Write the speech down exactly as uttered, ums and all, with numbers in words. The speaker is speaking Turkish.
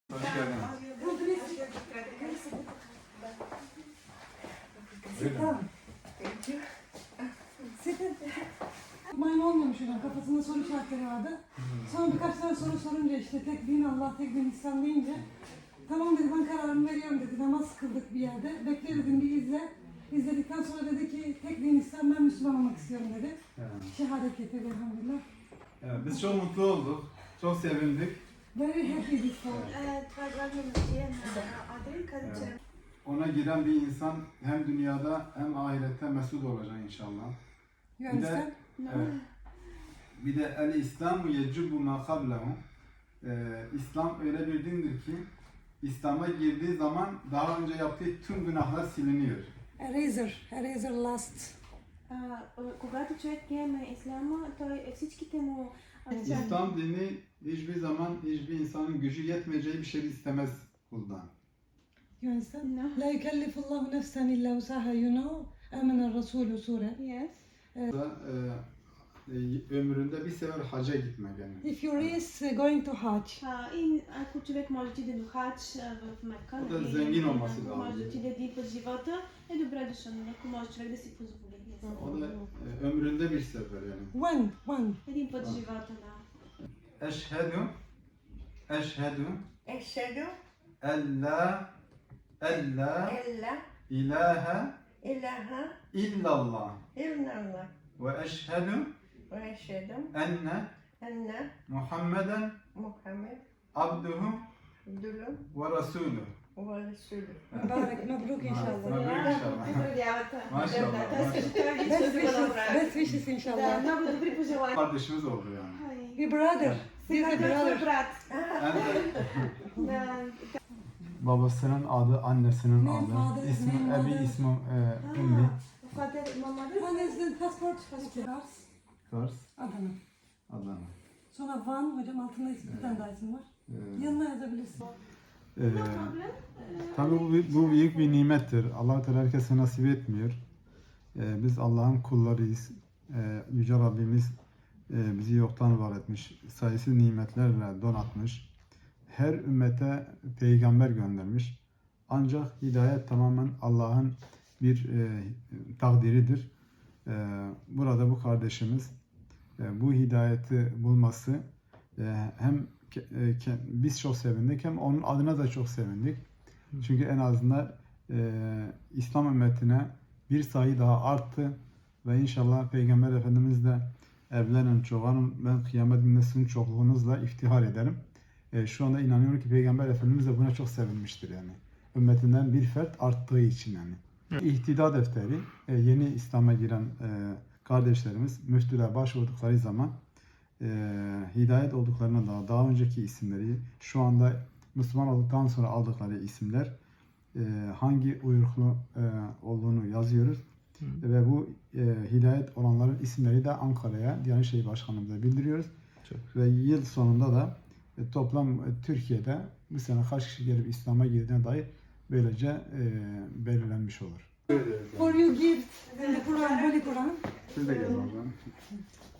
Hoş geldiniz. Maymun olmuyormuş hocam. Kafasında soru işaretleri vardı. Sonra birkaç tane soru sorunca işte tek din Allah, tek din İslam deyince tamam dedi, ben kararımı veriyorum dedi. Namaz kıldık bir yerde. Bekle dedim, bir izle. İzledikten sonra dedi ki tek din İslam, ben Müslüman olmak istiyorum dedi. Evet. Şehadet getirdi elhamdülillah. Evet, biz çok mutlu olduk. Çok sevindik. Very happy this time. Evet. Ona giren bir insan hem dünyada hem ahirette mesut olacak inşallah. You Bir de, understand? evet, bir de el İslamu yecibu ma kablehu. Ee, İslam öyle bir dindir ki İslam'a girdiği zaman daha önce yaptığı tüm günahlar siliniyor. Eraser, eraser last. А, когато човек приеме исляма, той всичките му İslam dini hiçbir zaman hiçbir insanın gücü yetmeyeceği bir şey istemez kuldan. You understand? No. La yukellifullahu nefsen illa usaha, you know. Amena Resulü sure. Yes. Da, e, e, ömründe bir sefer hacca gitmek yani. If you is going to Hajj, А, и ако човек може да отиде до хадж а, в Мека, Да, нали, зengin olması lazım. може да отиде един път в живота, е добре дошъл, нали, ако може човек да си позволи. O da e, ömründe bir sefer yani. when, when? Един път в живота, да. Eşhedü Eşhedü Eşhedü en la en la en la ilahe ilahe illallah illallah ve eşhedü ve eşhedü enne enne Muhammeden Muhammed abduhu Abdülü ve resulü. ve Resulü. Mübarek, mebruk inşallah. Mebruk inşallah. Поздравявате. Maşallah, Да, той иска, че това ви Best ще го wishes, направи. best wishes Да, inşallah. много добри пожелания. Kardeşimiz oldu yani. Ай, Bir brother. He's Сега a той е твой brother. брат. En de Да. babasının adı, annesinin Name, adı, father, ismi, name, ebi mother. ismi e, Ümmi. Father, mama, One is the passport. Kars, Kars, Adana. Adana. Sonra Van, hocam altında bir tane daha isim var. Ee, Yanına yazabilirsin. e, No problem. Tabii bu, bu büyük bir nimettir. Allah Teala herkese nasip etmiyor. Ee, biz Allah'ın kullarıyız. Ee, Yüce Rabbimiz e, bizi yoktan var etmiş. Sayısız nimetlerle donatmış. Her ümmete peygamber göndermiş. Ancak hidayet tamamen Allah'ın bir e, takdiridir. E, burada bu kardeşimiz e, bu hidayeti bulması e, hem ke- e, ke- biz çok sevindik hem onun adına da çok sevindik. Çünkü en azından e, İslam ümmetine bir sayı daha arttı ve inşallah Peygamber Efendimiz de evlenin, çoğalın, ben kıyamet gününde sizin çokluğunuzla iftihar ederim. E, şu anda inanıyorum ki Peygamber Efendimiz de buna çok sevinmiştir yani. Ümmetinden bir fert arttığı için yani. İhtida defteri e, yeni İslam'a giren e, kardeşlerimiz müftülüğe başvurdukları zaman e, hidayet olduklarına da daha önceki isimleri, şu anda Müslüman olduktan sonra aldıkları isimler e, hangi uyruklu e, olduğunu yazıyoruz. Hı. Ve bu e, hidayet olanların isimleri de Ankara'ya Diyanet İşleri Başkanlığımıza bildiriyoruz. Çok. Ve yıl sonunda da e, toplam e, Türkiye'de bu sene kaç kişi gelip İslam'a girdiğine dair böylece e, belirlenmiş olur. For you gift and the Quran, Holy Quran. Siz de gelin oradan.